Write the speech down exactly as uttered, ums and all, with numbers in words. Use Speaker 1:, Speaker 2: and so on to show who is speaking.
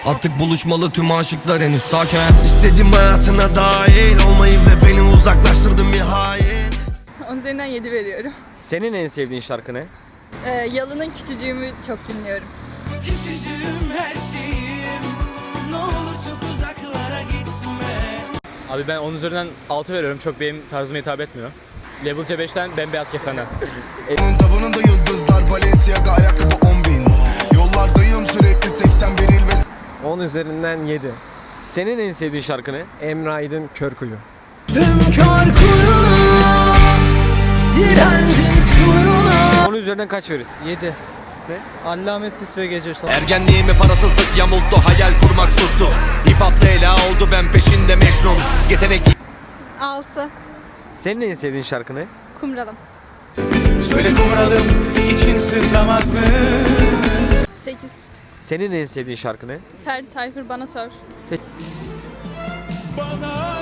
Speaker 1: Artık buluşmalı tüm aşıklar henüz sakin. İstedim hayatına dahil olmayı ve beni uzaklaştırdın bir hain.
Speaker 2: On üzerinden yedi veriyorum.
Speaker 3: Senin en sevdiğin şarkı ne?
Speaker 2: Ee, Yalın'ın Küçücüğümü çok dinliyorum.
Speaker 4: Küçücüğüm her şeyim, ne olur çok uzaklara gitme.
Speaker 5: Abi ben on üzerinden altı veriyorum. Çok benim tarzıma hitap etmiyor. Level C beşten Bembeyaz Kefen'den.
Speaker 6: Onun tavanında yıldızlar, Balenciaga ayakkabı on bin. Yollardayım sürekli seksen bir il ve
Speaker 7: on üzerinden yedi.
Speaker 3: Senin en sevdiğin şarkı ne?
Speaker 7: Emre Aydın Körkuyu.
Speaker 4: Tüm kör kuyuna direndim suyuna.
Speaker 3: on üzerinden kaç verirsin?
Speaker 8: yedi.
Speaker 3: Ne?
Speaker 8: Allame Sis ve Gece Son.
Speaker 1: Ergenliğimi parasızlık yamulttu, hayal kurmak suçtu. Hip hop Leyla oldu, ben peşinde Mecnun. Yetenek
Speaker 2: altı.
Speaker 3: Senin en sevdiğin şarkı ne?
Speaker 2: Kumralım.
Speaker 6: söyle kumralım, için sızlamaz mı?
Speaker 2: sekiz.
Speaker 3: Senin en sevdiğin şarkı ne?
Speaker 2: Ferdi Tayfur Bana Sor.
Speaker 4: Bana